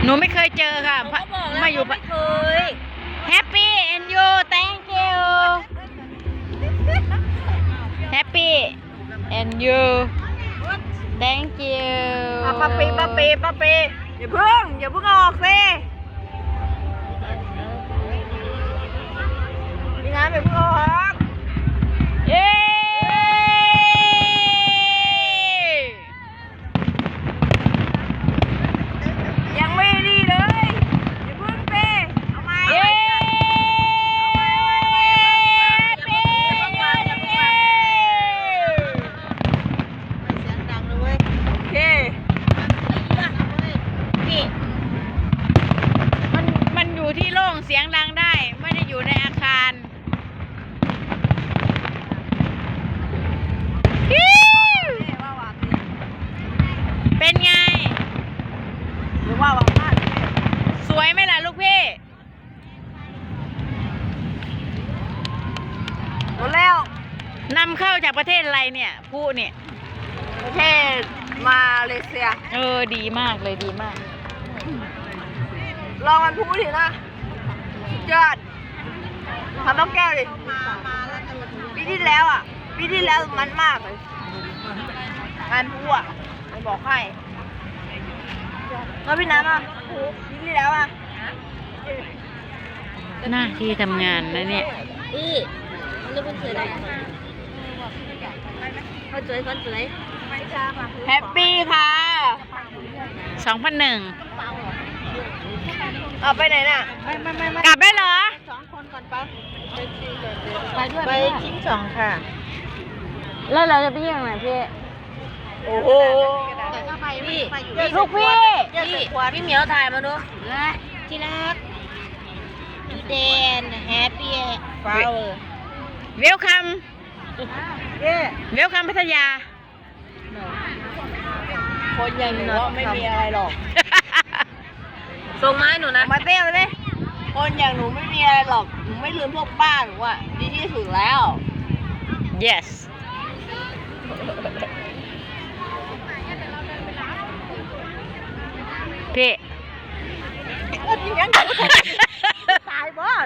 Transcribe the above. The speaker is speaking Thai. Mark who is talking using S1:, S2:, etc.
S1: นูไม่เคยเจอค่ะ มาอยู่
S2: ไม่เคย
S1: Happy and you thank you Happy and you thank you
S2: ป้าปีอย่าเพิ่งออกสิพี่น้ำอย่าเพิ่งออก
S1: เย้
S2: ยังไม่ดีเลยอย่าเพิ่งสิเอามา
S1: เย้
S2: โอเค
S1: นี่มันอยู่ที่โล่งเสียงดังได้ไม่ได้อยู่ในอาคารฮิ้วเป็นไง
S2: หรือว่าพลาด
S1: สวยไหมล่ะลูกพี่
S2: หมดแล้ว
S1: นำเข้าจากประเทศอะไรเนี่ยผู้เนี่ย
S2: ประเทศมาเลเซีย
S1: ดีมากเลยดีมาก
S2: ลองมันพูดดินะสุดยอดทำต้องแก้วดิปีที่แล้วมันมากเลยงานพูอ่ะมันบอกให้แล้วพี่น้ำอ่ะปีที่แล้วอ่ะ
S1: หน้าที่ทำงานนะเนี่ย
S2: พี่มันรู้เป็นสวยอะไรคนสวยแฮปปี้ค่ะ
S1: 2001
S2: เอาไปไหนน่ะ
S1: กลับได้เหรอ
S2: 2 คนก่อนปะไปด้วย
S1: ไปชิ้น2ค่ะ แล้วเราจะไปเยี่ยมไหนพี่
S2: โอ้โห
S1: พี่ลูกพี่
S2: พี่เหมียวถ่ายมาดูที่รักพี่เดนแฮปปี้ฟลาวเวอร์
S1: เวลคัมเวลคัมพัทยา
S2: คนอย่างหนูไม่มีอะไรหรอกส่งไม้หนูนะมาเต้นเลยคนอย่างหนูไม่มีอะไรหรอกหนูไม่ลืมพวกบ้านหนูอ่ะดีที่สุดแล้ว
S1: yes พี่
S2: ยังตายบ้า